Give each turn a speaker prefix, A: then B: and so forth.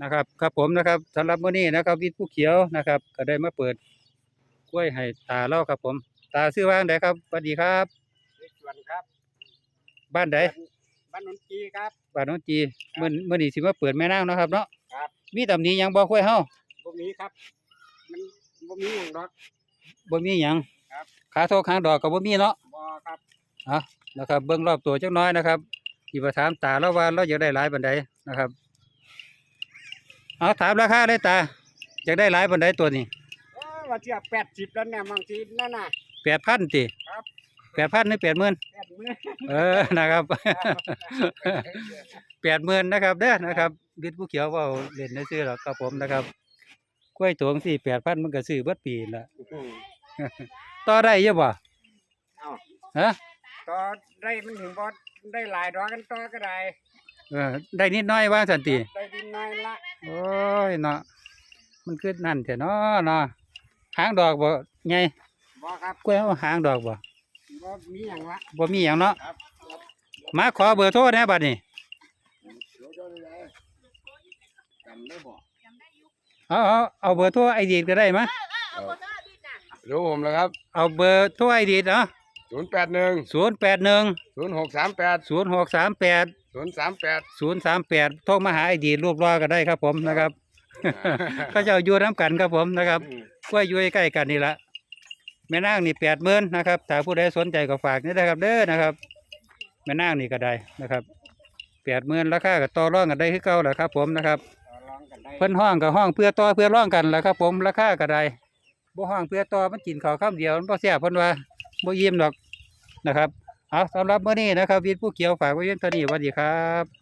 A: นะครับครับผมนะครับสำหรับมื้อนี้นะครับวิทย์ผู้เขียวนะครับก็ได้มาเปิดกล้วยให้ตาเล่าครับผมตาชื่อว่าจั่งใดครับสวัสดีครับ
B: ในสวนครับ
A: บ้านใด
B: บ้านนนจีครับ
A: บ้านโน้นจีมื้อนี้สิมาเปิดแม่นางเนาะครับเนาะ
B: ครับ
A: มีตำหนิหยังบ่กล้วยเฮา
B: บ่มีครับมันบ่มีหยังดอก
A: บ่มีหยัง
B: ครับ
A: ขาโทกหางดอกก็บ่มีเนาะ
B: บ่ครับ
A: นะครับเบิ่งรอบตัวจักหน้อยนะครับที่ว่าถามตาแล้วว่าเราอยากได้หลายปานใดนะครับเอาถามราคาเลยตาอยากได้หลายปานใดตัวนี้
B: ว่าเทียบ80แล้วเนี่ยบางทีนั่นน่ะ
A: 8,000ติ
B: ครับ
A: 8,000หรือ80,000นะครับ 80,000นะครับเด้อนะครับวิทย์ผู้เขียวเว้าเล่นซื่อๆหรอกครับผมนะครับกล้วยตวงสิ8,000มันก็ซื้อเบิดปีนั่นล่ะ ต่อได้อยู่บ่
B: เอ้า
A: ฮะ
B: ต่อได้มันถึงบ่ได้หลายดอกกันต่อก็ได้
A: ได้นิดหน่อยว่าซั่นติ
B: ได้ดินน้อยละ
A: โอ้ยเนาะมันคือนั่นแท้เนาะหางดอกบ่ใหญ่
B: บ่ครับ
A: กล้วยเอาหางดอกบ่
B: บ่มีหยังละ
A: บ่มีหยังเนาะ
B: ครับ
A: มาขอเบอร์โทรแหน่บัดนี้
B: จำได้บ่
A: เอาเบอร์โทรไอดีก็ได้มะ
C: รู้ผมแล้วครับ
A: เอาเบอร์โทรไอดีเนาะ
C: 081
A: 081
C: 0638
A: 0638
C: 038
A: โทรมาหาไอดีรูปรอก็ได้ครับผมนะครับก็จะอยู่น้ำกันครับผมนะครับกล้วยอยู่ใกล้กันนี่ละแม่นางนี่80,000นะครับถ้าผู้ใดสนใจก็ฝากนี่นะครับเด้อนะครับแม่นางนี่ก็ได้นะครับ80,000ราคาก็ต่อรองกันได้คือเก่าแหละครับผมนะครับ
B: ต่อรองกันได้
A: เพิ่นห้องกับห้องเพื่อต่อเพื่อร่องกันแหละครับผมราคาก็ได้บ่ห้องเพื่อต่อมันกินข้าวคำเดียวมันบ่แซ่บเพิ่นว่าบ่อิ่มดอกนะครับเอาสำหรับมื้อนี้นะครับวิทย์ผู้เขียวฝากไว้เพียงเท่านี้สวัสดีครับ